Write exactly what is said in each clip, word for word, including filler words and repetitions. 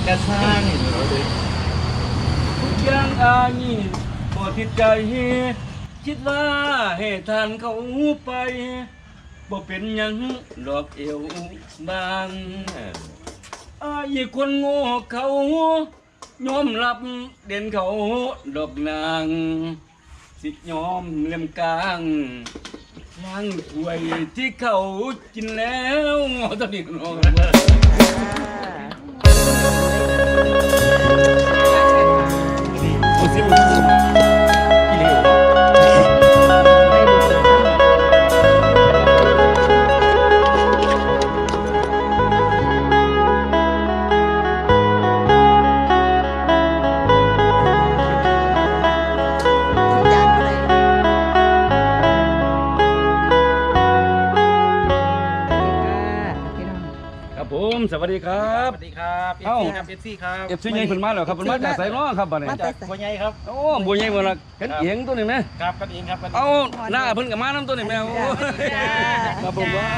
ระสร้างยังอายีบ่ติดใจคิดว่าให้ทานเขาไปบ่เป็นยังดอกเอวบางอายคนโง่เขายอมรับเด่นเขาดอกนางสิยอมเลี่ยมกลางล้างถ้วยที่เขากินแล้วตอนนี้น้องโอ้สิอีเหลวผมสวัสดีครับสวัสดีครับเอฟซีครับเอฟซีครับเอฟซีใหญ่เพิ่นมาแล้วครับเพิ่นมาจากไสน้อครับบัดนี้จากบัวใหญ่ครับโอ้บัวใหญ่บ่ล่ะกันเอียงตัวนี้แม่ครับกันเองครับเอาหน้าเพิ่นก็มานำตัวนี้แม่โอ้ครับผมว่า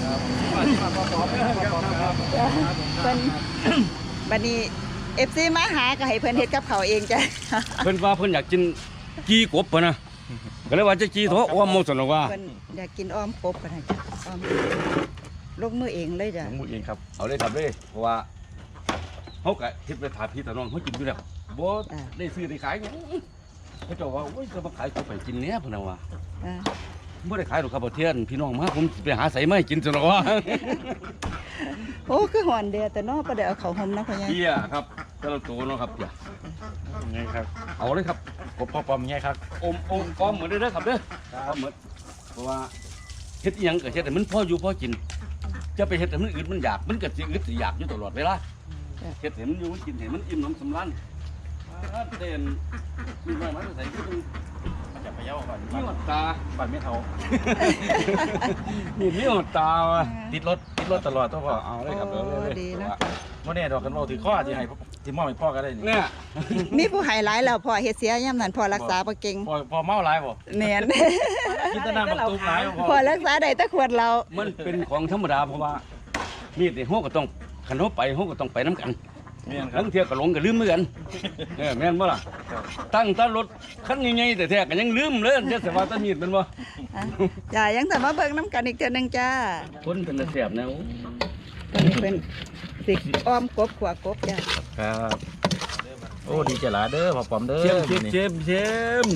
เพิ่นบัดนี้ เอฟ ซี มาหาก็ให้เพิ่นเฮ็ดกับเขาเองจ้ะเพิ่นว่าเพิ่นอยากกินกีกบป่ะนะก็เลยว่าจะกีโถอ้อมหมดซั่นว่าเพิ่นอยากกินอ้อมกบก็ได้จ้ะอ้อมลงมือเองเลยจ้ะลงมือเองครับเอาเลยครับเลยเพราะว่าเฮาก็เฮ็ดไปถามพี่ตาน้องเฮากินอยู่แล้วบ่ได้ซื้อได้ขายเขาเจ้าว่าโอ้ยจะมาขายกบไปกินแหน่พุ่นน่ะว่าบ่ได้ขายดอกครับบ่เทียนพี่น้องมาผมไปหาใส่มาให้กินซั่นว่าโอ้คือหอนเดียวแต่เนาะบ่ได้เอาเข้าห่มนะพ่อใหญ่เหี้ยครับแต่ละตัวเนาะครับอย่าไงครับเอาเลยครับกบพ่อปอมไงครับอมอมอมเหมือนเด้อครับเด้อครับเหมือนเพราะว่าเฮ็ดอีหยังก็เฮ็ดให้มันพออยู่พอกินจะไปเฮ็ดให้มันอึดมันอยากมันก็สิอึดสิอยากอยู่ตลอดเวลาเฮ็ดให้มันอยู่มันกินให้มันอิ่มหนำสำราญเต้นมีไว้มาใส่คือมันจะไปเย้าก่อนมีหดตาบัดไม่เท่านี่มีหดตาว่ะติดรถติดรถตลอดต้องพ่อเอาเลยครับเออดีนะบ่แน่ดอกกันว่าถือข้อที่ให้ที่มอบให้พ่อก็ได้นี่เนี่ยมีผู้ให้หลายแล้วพ่อเฮ็ดเสียยามนั้นพ่อรักษาบ่เก่งพ่อพ่อเมาหลายบ่แม่นกินแต่น้ำบักตุ้มหลายบ่พ่อรักษาได้แต่ขวดเรามันเป็นของธรรมดาเพราะว่ามีดนี่เฮาก็ต้องคันเฮาไปเฮาก็ต้องไปนํกันแม่นครับทั้งเที่ยวก็หลงก็ลืมเหมือนกันเออแม่นบ่ล่ะตั้งตารถคันใหญ่ๆแต่แท้ก็ยังลืมเลยจะสิว่าตะมีดมันบ่จ้ายังแต่มาเบิ่งน้ำกันอีกเทื่อนึงจ้าคนเป็นแซ่บนะเพิ่นเพิ่นสิอ้อมกบขัวกบจ้าครับโอ้ดีใจหลายเด้อพ่อปอมเด้อเชมเชมเชม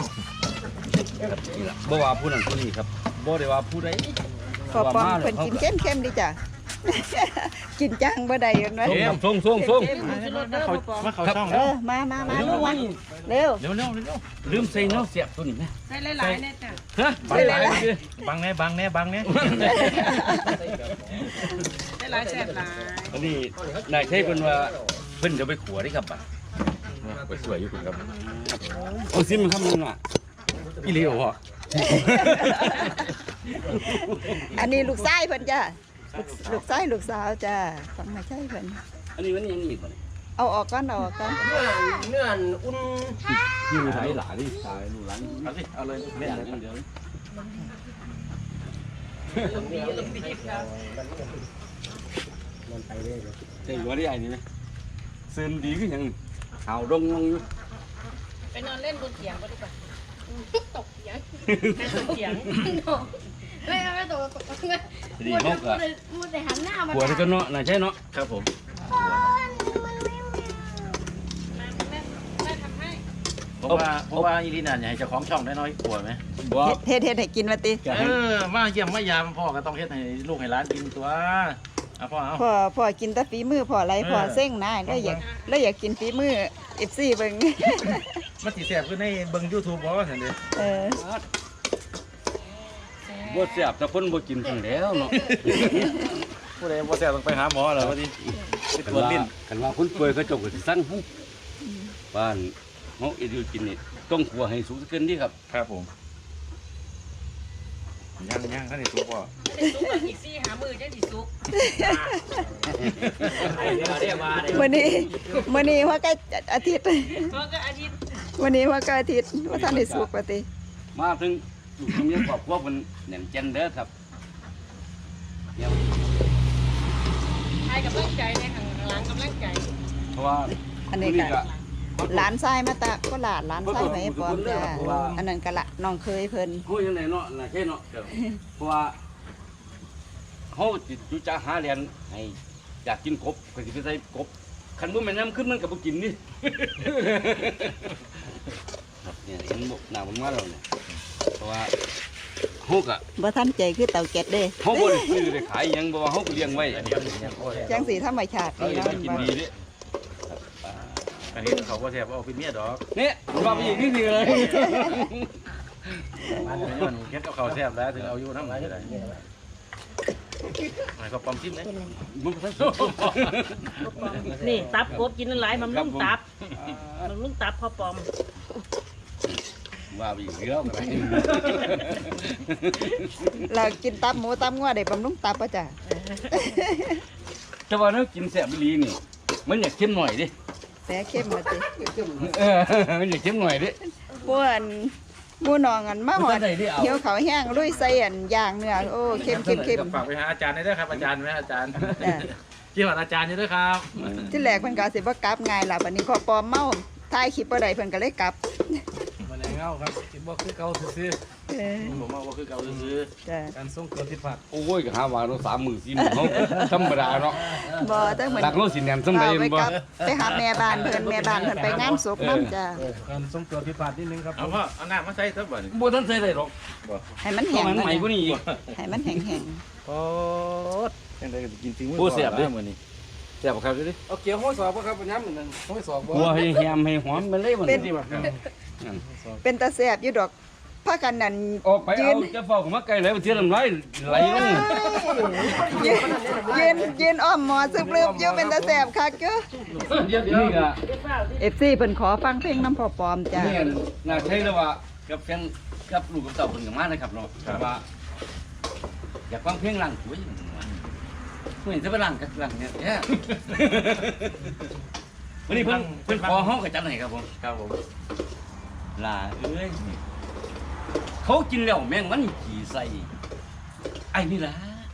บ่ว่าผู้นั้นผู้นี้ครับบ่ได้ว่าผู้ใดพ่อปอมเพิ่นกินเข้มๆดิจ้ะกินจังบ่ได้เห็นไหมเค็มส่งส่งส่งมาเขาช่องเออมามามาลูกมาเร็วเร็วเร็วเร็วลืมใส่เนาะเสียบตัวนี้นะใส่หลายๆเนี่ยจ้ะฮะใส่หลายบังแน่บังแน่บังแน่ใส่หลายแซ่บหลายอันนี้นายใช้เพิ่นว่าเพิ่นจะไปขัวได้ครับบัดไปสวยอยู่คุณครับโอ้ซิมครับมึงอ่ะอีเหลียวเหรออันนี้ลูกชายเพิ่นจ้ะลูกชายลูกสาวจ้ะฟังไม่ใช่เพิ่นอันนี้มันยังอีกบ่นี่เอาออกก่อนเอาออกก่อนเนื้อเนื้ออุ่นอยู่ไหนหลานนี่ตายลูกหลานเอาสิเอาเลยเล่นเลยเดี๋ยวเจ๊ว่าได้ไอ้นี่ไหมเซินดีขึ้นยังข่าวดงงอยู่ไปนอนเล่นบนเตียงก็ดีกว่าตกเตียงตกเตียงไม่เอาไม่ตกตกเลยดีมากอะมัวแต่หันหน้ามาหัวที่ก็เนาะน่าใช่เนาะครับผมเพราะว่าเพราะว่าอีลีน่าอยากให้เจ้าของช่องได้น้อยกลัวไหมเฮ็ดเฮ็ดให้กินว่าติเออมาเยี่ยมมายามพ่อก็ต้องเฮ็ดให้ลูกให้หลานกินตัวเอาพ่อเอาพ่อพ่อกินแต่ฝีมือพ่อไรพ่อเส้งนะแล้วอยากแล้วอยากกินฝีมือเอฟซีเบิ่งมันสิแซ่บคือในเบิ่ง YouTube บ่ซั่นเด้อเออบ่แซ่บแต่เพิ่นบ่กินจังแล้วเนาะผู้ใดบ่แซ่บต้องไปหาหมอแล้วว่าสิไปตรวจลิ้นคันว่าคนป่วยเขาเจ้าก็สิสั่งเฮาบ้านเฮาเอดิวกินนี่ต้องคั่วให้สุกเกินดีครับครับผมย่างย่างท่านนี่สุกบ่สุกแบบอีกซี่หามือจังสิสุกมื้อนี้มื้อนี้ว่าใกล้อาทิตย์ก็ก็อาทิตย์วันนี้ว่าใกล้อาทิตย์ว่าท่านได้สุกว่าติมาถึงลูกเมียครอบครัวเพิ่นแน่นแจ่นเด้อครับให้กำลังใจในข้างหลังกำลังใจพราะว่าอันนี้ก็หลานชายมาตะก็หลานหลานชายไปปลอมจ้าอันนั้นก็ละน้องเคยเพิ่นเฮายังไงเนาะน่ะแค่เนาะเพราะว่าเฮาจิตอยู่จะหาเรียนให้อยากกินกบก็สิไปใส่กบคันบ่แม่นน้ำขึ้นมันก็บ่กินนี่ครับเนี่ยเห็นบ่หน้ามันมาแล้วเนี่ยเพราะว่าเฮาก็บ่ทันใจคือเต่าแก๊สเด้เฮาบ่ได้ซื้อได้ขายหยังเพราะว่าเฮาก็เลี้ยงไว้อันนี้ก็เป็นอย่างโอ้ยจังสีธรรมชาติเรานี่เลี้ยงเนาะกินดีเด้อันนี้เขาก็แทบเอาเป็นเมียดอกเนี่ยว่าไปอีกนี่สิเลยมันเป็นย้อนเฮ็ดเอาเขาแทบแล้วถึงเอาอยู่น้ำไหลได้ไหนก็ปั๊มจิ้มเลยมันก็นี่ตับกบกินหลายมันลุ่งตับมันลุ่งตับพอปอมว่าไปอีกแล้วกันเรากินตับหมูตับงัวได้บำรุงตับป่ะจ้ะแต่ว่าเรากินแซ่บอีหลีนี่มันอยากเข้มหน่อยดิแต่เข้มมาติเออมันอยากเข้มหน่อยดิป้วนหมูนองอันมาหอดบ่ทันได้เอาเหี่ยวเขาวแห้งลุยใส่อันย่างเนื้อโอ้เข้มเข้มเข้มฝากไปหาอาจารย์ได้ด้วยครับอาจารย์ไหมอาจารย์จ้ะที่ว่าอาจารย์นี่ด้วยครับที่แรกเพิ่นก็สิบ่กลับง่ายล่ะบัดนี้พอปลอมเมาถ่ายคลิปบ่ได้เพิ่นก็เลยกลับมาในเงาครับคิดว่าคือเก่าซื่อเออผมว่าคือเก่าซื้อจ้ะๆการส่งตัวผิดพลาดโอ้ยก็หาว่าเราสามมื้อสี่มื้อเฮาธรรมดาเนาะบ่แต่เหมือนหลักเราสิแน่นซำใดเอาไปบ่กลับไปหาแม่บ้านเพิ่นแม่บ้านเพิ่นไปงานศพนํจ้ะการส่งตัวผิดพลาดนิดนึงครับเอาพ่อเอาน้ำมาใส่ทับบ่บ่ทันใส่ได้หรอกให้มันต้อแห้งงให้มันใหม่กว่านี้อีกให้มันแห้งโอ้ยังไงก็กินจริงโอ้แซ่บเด้อมื้อนี้แซ่บครับดิเอาเกี่ยวห้อยสอบป่ะครับปัญญาเหมือนกันห้อยสอบบ่หัวให้แฮมให้หอมมันเลยมันนี่บ่ๆเป็นตาแซ่บอยู่ดอกพากันนั่นออกไปเอาจะเฝ้าเข้ามาใกล้เลยบ่เสียน้ำลายไหลลงยืนยืนยืนอ้อมหมอซึบลืบอยู่เป็นตาแซ่บคักเด้อเดี๋ยวนี่ก็เอฟซีเพิ่นขอฟังเพลงน้ำพอปลอมจ้ะนี่น่าใช่แล้วว่ากับแฟนกับลูกกับเต่าเพิ่นก็มานะครับเนาะแต่ว่า อยากฟังเพลงหลังสวยเฮ้ยจะไปหลังกับหลังเนี่ยแย่วันนี้เพิ่นเพิ่นขอเฮาก็จัดให้ครับผมครับผมลาเอ้ยเขากินแล้วแม่งมันขี่ใส่ไอ้นี่ล่ะ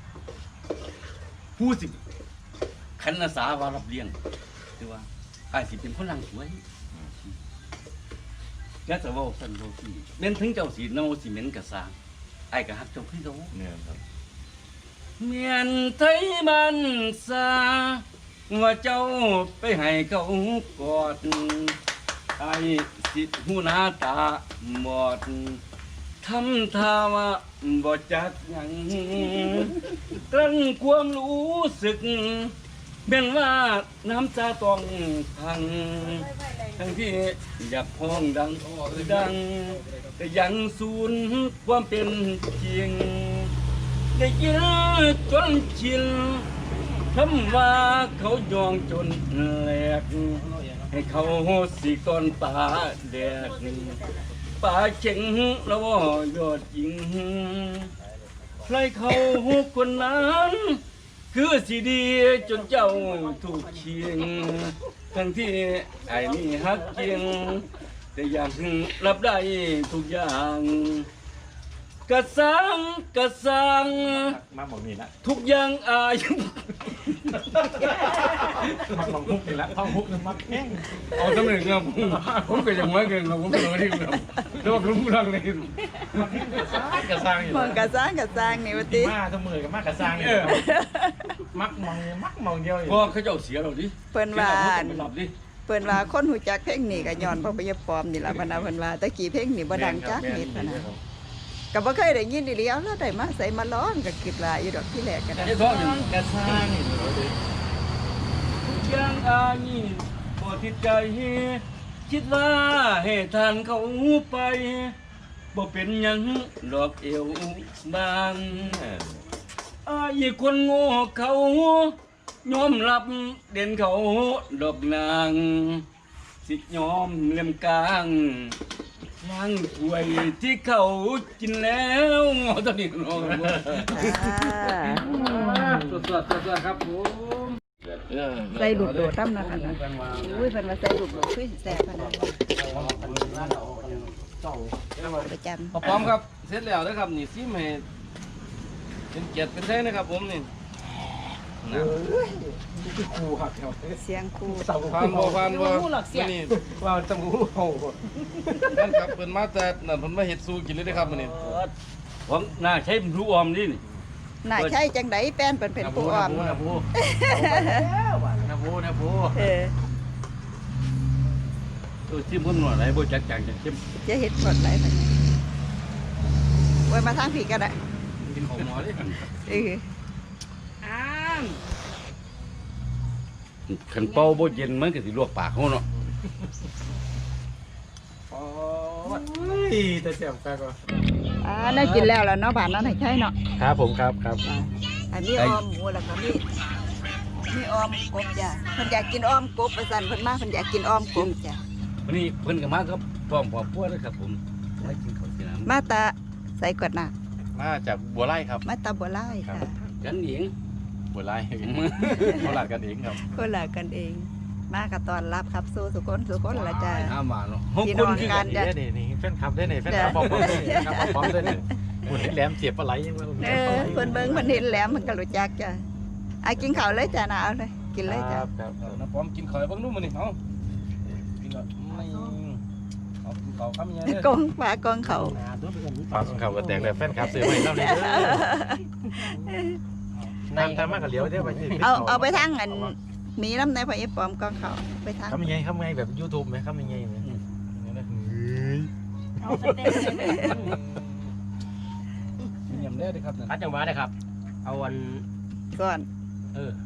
ผู้สิคันอาสาว่ารับเลี้ยงคือว่าไอ้สิเป็นคนหลังสวยแล้วแต่ว่าสันโลกีเม้นถึงเจ้าสีเนาสีเหม็นกระซางไอ้ก็ฮักเจ้าพี่โตเนี่ยครับเมียนไทยมันซาว่าเจ้าไปให้เขากอดไอ้สิหูหน้าตาหมดทำท่าว่าบ่จักหยังกลั้นความรู้สึกเป็นว่าน้ำตาต้องพัง ทั้งที่อยากพ้องดังดังแต่ยังสูญความเป็นจริง ได้ยินจนชินคำว่าเขายองจนแหลก ให้เขาสีก้อนป่าแดกป่าเข็งแล้วว่ายอดจริงใครเขาคนนั้น คือสีดีจนเจ้าถูกเคียง ทั้งที่ไอ้นี่ฮักเกียง แต่ยังรับได้ทุกอย่างกระสังกระสังมาบอกนี่ละทุกอย่างอายมาบอกมุกนี่ละท่องมุกมักแห้งเอาสำเร็จครับผมผมก็ยังไม่เกินครับผมก็เลยที่ครับแล้วก็รู้ทางเลยกระซังอยู่มองกะสร้างกะสร้างนี่ว่าติมาทั้งมือกับมากระซังอยู่มักมองมักมองเดียวอยู่พอเขาเจ้าเสียเราดิเพิ่นว่าไปหลับดิเพิ่นว่าคนหูจักเพลงนี่ก็ย้อนเพราะพยาปลอมนี่ล่ะพะนะเพิ่นว่าแต่กี้เพลงนี่บ่ดังจักนิดพะนะก็บ่เคยได้ยินอีหลีเอาแล้วได้มาใส่มาร้องก็คิดว่าอยู่ดอกที่แรกก็ได้ไอ้ท้องนี่กระซังนี่ทุกอย่างอายบ่ติดใจคิดว่าให้ทานเขาไปบ่เป็นหยังดอกเอวบางอายคนโง่เขายอมรับเด่นเขาดอกนางสิยอมเลี่ยมกลางล้างถ้วยที่เขากินแล้วงอตอนนี้งออ่าสดสดสดสดครับผมใส่ลูกโดดนํนะคะนะอุ้ยเพิ่นว่าใส่ลูกโดดคือสิแซ่บพะนะประจำพอพร้อมครับเสร็จแล้วนะครับนี่ซิมให้เป็นเกียรติเป็นแท้นะครับผมนี่คือครูหักแถวเสียงครูผ่านบ่ผ่านบ่รู้หรอกเสียงนี่ว่าจมูกเฮานั่นครับเพิ่นมาแต่นั่นเพิ่นมาเฮ็ดสู้กินเลยเด้อครับมื้อนี้ของหน้าใช้รู้ออมนี่นี่น่าใช่จังไดแป้นเป็นเป็นผู้อ้อมนะพูนะพูนะพูเออตัวชิมคนหน่อยไรบ่จักจังจังชิมจะเฮ็ดกดไหลไปไว้มาทางผีก็ได้กินของหมอดิเอออ้ามขันเป่าบ่เย็นมันก็สิลวกปากเฮาเนาะอ๋อแต่แซ่บคักว่ะอ่าน่ากินแล้วล่ะเนาะบ้านนั้นให้ใช่เนาะครับผมครับครับอันนี้ออมหมูแล้วก็มีมีออมกบจ้ะเพิ่นอยากกินออมกบประสันเพิ่นมาเพิ่นอยากกินออมกบจ้ะวันนี้เพิ่นก็มาครับพร้อมครอบครัวเลยครับผมให้กินข้าวกินน้ำมาตาใส่กวดน้ามาจากบัวไร่ครับมาตาบัวไล่ค่ะกันเองบัวไร่โคราชกันเองครับคนละกันเอง มากับตอนรับครับสู้สุคนสุคนละจ้ะห้ามาเนาะพี่น้องกันนี่นี่นี่แฟนคลับได้นี่แฟนคลับปอมปอมได้นี่ครับปอมได้นี่หุ่นแหลมเสียบปลาไหลยังไงเออเพิ่นเบิ่งเพิ่นเห็นแหลมเพิ่นก็รู้จักจ้ะอ่ะกินข้าวเลยจ้ะนะเอาเลยกินเลยจ้ะครับครับเออน้ำพร้อมกินข้าวให้เบิ่งดูมื้อนี้เอ้ากินก่อนไม่เอากินข้าวคำใหญ่เด้อกงฝากงเขาฝากของเขาก็แตกเลยแฟนคลับซื้อไว้เท่านี้น้ำทำมากกับเหลียวเดี๋ยวไปเอาเอาไปทางอันมีน้ำในพระเอฟปอมกองเขาไปทางทำยังไงทำยังไงแบบยูทูบไหมทำยังไงเนี่ยเอาสเต็กเลยเยี่ยมได้อครับนั่นพัดจังหวะนะครับ เอาวันก่อนเออ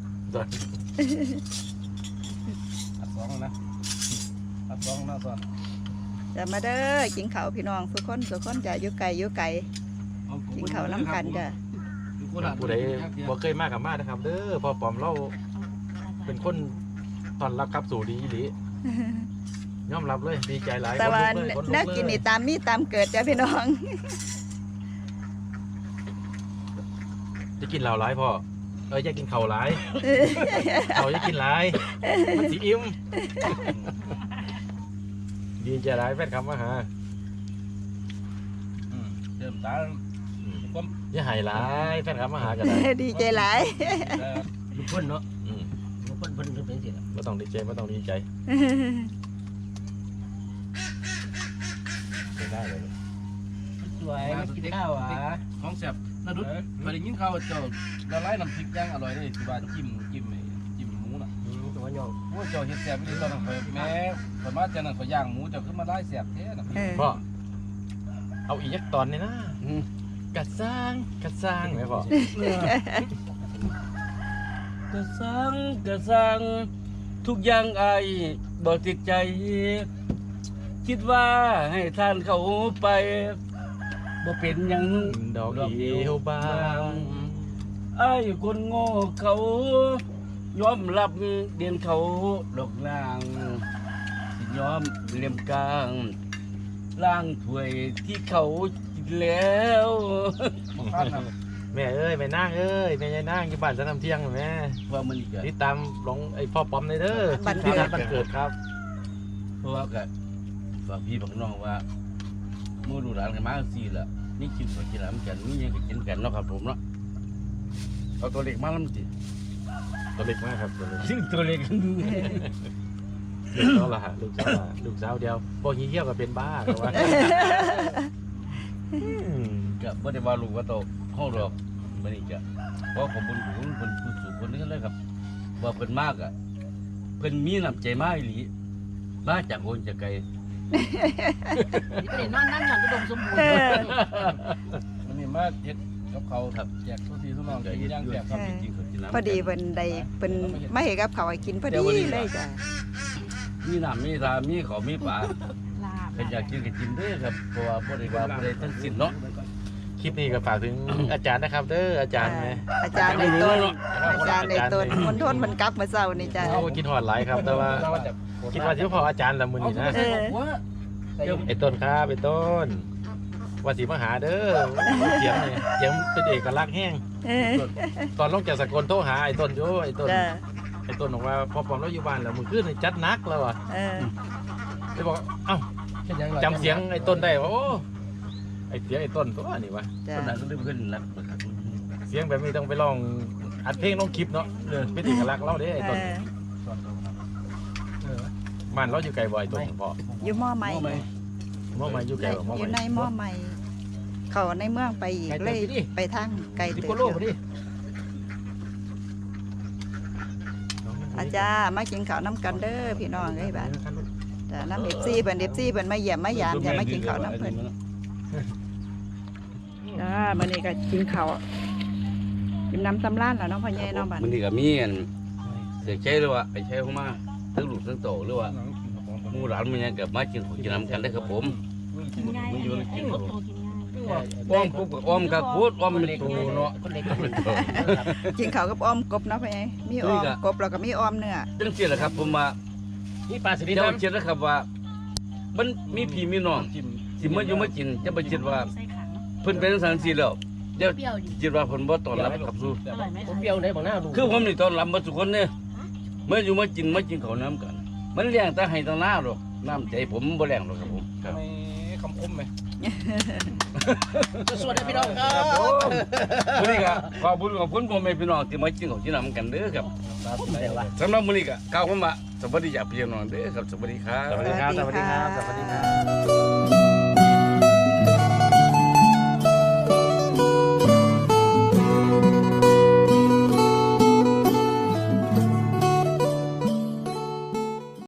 อัดสองนะอัดสองหน้าซ้อนจะมาเด้อกินข้าวพี่น้องสุคนสุคนจะอยู่ไกลอยู่ไกลกินข้าวน้ำกันจ้ะผู้ใดบ่เคยมากกับมากนะครับเด้อพอปอมเราเป็นคนตอนรับครับสู่ดีอีหลียอมรับเลยดีใจหลายแต่ว่าคนลุกเลยคนลุน่าเลยกินนี่ตามมีตามเกิดจ้ะพี่น้องจะกินเหล้าหลายพ่อเอ้ยจะกินเข่าวหลายเขาจะกินหลายมันสิอิ่มดีใจหลายแฟนคำมาหาอืมเติมตาความอย่าใหายหลายแฟนคำมาหากันได้ดีใจหลายเอ่อลูกเพิ่นเนาะอืมลูกเพิ่นเพิ่นเพิ่นเป็นสิล่ะไม่ต้องดีใจไม่ต้องดีใจไม่ได้เลยสวยมากินข้าวอ่ะของแซ่บนาดุดเคยได้ยินข่าวว่าเจ้าละลายน้ำพริกย่างอร่อยเด้ที่ว่าจิ้มจิ้มไอ้จิ้มหมูน่ะอืมตัวย่องโอ้เจ้าเฮ็ดแซ่บอีหลีตอนนั้นข่อยแม่ข่อยมาจากนั้นข่อยย่างหมูเจ้าขึ้นมาไล่แซ่บแท้น่ะเออพ่อเอาอีกยักตอนนี่นะอืมกัดสร้างกัดสร้างไหมพ่อกระสังกระสังทุกอย่างไอายบ่ติดใจ คิดว่าให้ท่านเขาไปบ่เป็นหยังดอกเดียวบางไอ้คนโง่เขายอมรับเดียนเขาดอกนางสิยอมเลี่ยมกลางล่างถ้วยที่เขากินแล้วบ่คาดนะแม่เอ้ยแม่นางเอ้ยแม่ยายนางอยู่บ้านจะทำเที่ยงเหรอแม่ว่ามันอีกอะติดตามลงไอ้พ่อปอมเลยเด้อบันเกิดที่งานบันเกิดครับเพราะว่าก็ฝากพี่ฝากน้องว่าเมื่อดูร้านกันมาสี่ละนี่กินก็กินแล้วกันนี่ยังก็กินกันเนาะครับผมเนาะเอาตัวเล็กมาแล้วมันสิตัวเล็กมากครับตัวเล็กซึ่งตัวเล็กกันดูลูกสาวละฮะลูกสาวละลูกสาวเดียวพวกนี้เยี่ยวก็เป็นบ้าแต่ว่าอืมก็บ่ได้ว่าลูกว่าโตห้องดอกมันนี่จะเพราะผมบุญของเพิ่นผู้สูงคนนี้เลยครับว่าเพิ่นมากอ่ะเพิ่นมีน้ำใจมากอีหลีมาจากคนจากไกลนี่ก็เลยนอนนั่งหย่อนกระดมสมบูรเอณ์อมันนี่มาเฮ็ดกับเขาวครับแจกทุกทีทุกน้องก็กินเฮ็ดย่างด้วยแซ่บคครัรับบ จริงๆก็กินน้ำพอดีเพิ่นได้เพิ่นมาให้กับเขาวให้กินพอดีเลยจ้ะมีน้ำมีทามีข้าวมีปลาลาบเพิ่นอยากกินก็กินเด้อครับเพราะว่าบ่ได้ว่าบ่ได้ทั้งสิ้นเนาะคลิปนี้ก็ฝากถึง อาจารย์นะครับเด้ออาจารย์ไหมอาจารย์ในต้นอาจารย์ในต้นคนโทษมันกลับมาเศร้านี่จ้ะเขาก็กินหอดหลายครับ แต่ว่าคิดว่าที่พออาจารย์ละมือนี่นะเออไอ้ต้นครับไอ้ต้นว่าสีมาหาเด้อเสียงเนี่ยเสียงเป็นเอกลักษณ์แห้งเออตอนลงจากสกลโทรหาไอ้ต้นโยไอ้ต้นจ้ะไอ้ต้นบอกว่าพอปอมเราอยู่บ้านแล้วมือขึ้นนี่จัดหนักแล้วอ่ะเออเลยบอกเอ้าจำเสียงไอ้ต้นได้ว่าโอ้ไอ้เสียงไอ้ต้นตัวนี่วะจ้ะคนนั้นก็เลยเพิ่นรักนะครับเสียงแบบนี้ต้องไปลองอัดเพลงลงคลิปเนาะเออเป็นเอกลักษณ์เราเด้ไอ้เอต้นอเออมันเราอยู่ไกลบ่ไอ้ต้นพ่ออยู่หม้อใหม่มอมาอยู่ไกลบ่มออยู่มาในหม้อใหม่ เขาในเมืองไปอีกเลยไปทางไกลสิบเติกว่าบโลอยู่พอดีอาจารย์มากินข้าวน้ำกันเด้อพี่น้องเอ้ยบ้านแต่น้ำเอฟซีเพิ่นเอฟซีเพิ่นมาเยี่ยมมายามจะมากินข้าวน้ำเพิ่นจ้ามื้อนี้ก็กินข้าวกินน้ำตำร้านแล้วเนาะพ่อใหญ่เนาะบ้านมันนี่ก็มีอันเสียใจหรือว่าไปใช้เข้ามาทั้งลูกทั้งโตหรือว่าหมู่หลานมันยังกับมากินของกินน้ำกันได้ครับผมกินง่ายไอ้หัวโตกินง่ายอ้อมปุ๊บกับอ้อมครับพูดอ้อมมันตูเนาะคนเล็กคนเล็กกินข้าวกับอ้อมกบเนาะพ่อใหญ่มีอ้อมกบแล้วก็มีอ้อมเนื้อจังซี่แหละครับผมว่านี่ปลาสลิดเจ้าน้ำเชื่อนะครับว่า มันมีพี่มีน้องจิ้มสิมาอยู่มากินจะไปคิดว่าใส่ขังเพิ่นเป็นสังสีแล้วเดี๋ยวเปรี้ยวดิคิดว่าเพิ่นบ่ต้อนรับกับสู้อร่อยไหมผมเปรี้ยวได้บอกหน้าดูคือผมนี่ต้อนรับมาทุกคนเนี่ยเมื่ออยู่มากินมากินข้าวน้ำกัน มันเลี้ยงแต่ให้ตาหน้าหรอกน้ำใจผมบ่แรงหรอกครับผมครับไม่คำคมไหมสวัสดีพี่น้องครัครับผบมวันนี้ก็ขอบคุณขอบคุณพ่อแม่พี่น้องที่มากินข้าวกินน้ำกันเด้อครับเดี๋ยวว่าสำหรับมื้อนี้ก็กล่าวคำว่าสวัสดีจากพี่น้องเด้อครับสวัสดีครับสวัสดีครับ สวัสดีครับ สวัสดีครับบ